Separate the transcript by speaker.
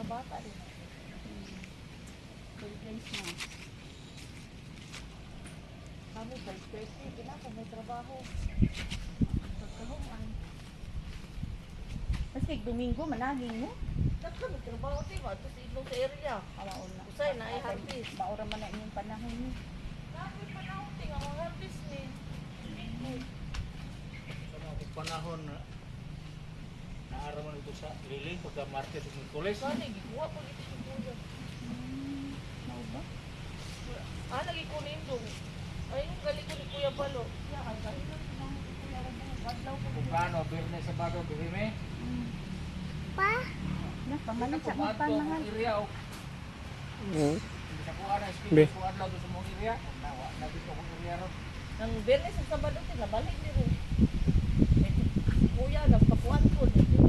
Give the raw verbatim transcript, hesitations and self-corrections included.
Speaker 1: bata din.
Speaker 2: Conference na.
Speaker 1: Kami five thirty, kinako may trabaho. Pagkahuman.
Speaker 2: Kasi Domingo, managing mo.
Speaker 1: Dako may trabaho ti ba to sa ilong sa area.
Speaker 2: Awaon na.
Speaker 1: Usay na ay harvest.
Speaker 2: Maura man na inyong panahon ni.
Speaker 1: Dako panahon ti nga mga harvest ni.
Speaker 3: Sa mga panahon na naaraman ito sa liling pagka market ng Mikules.
Speaker 1: Saan gikuha ko dito sa kuya.
Speaker 2: Hmm. Mau ba?
Speaker 1: Ah, lagi ko nindong. Ay, yung galing ko ni Kuya Balo.
Speaker 2: Ya, ay galing lang sa mga kuya mo. Badlaw ko.
Speaker 3: Kung kano, birne sa bago, birime.
Speaker 2: Pa? Na, pamalit sa mga panahon.
Speaker 3: area o.
Speaker 4: Oo.
Speaker 3: Hindi sa kuha na,
Speaker 4: Be.
Speaker 3: speaker kuha lang doon sa mong area. Nawa, nabito kong area ron.
Speaker 1: Nang Bernes sa Sabado, tinabalik ni rin. Si Kuya, nagpapuan ko.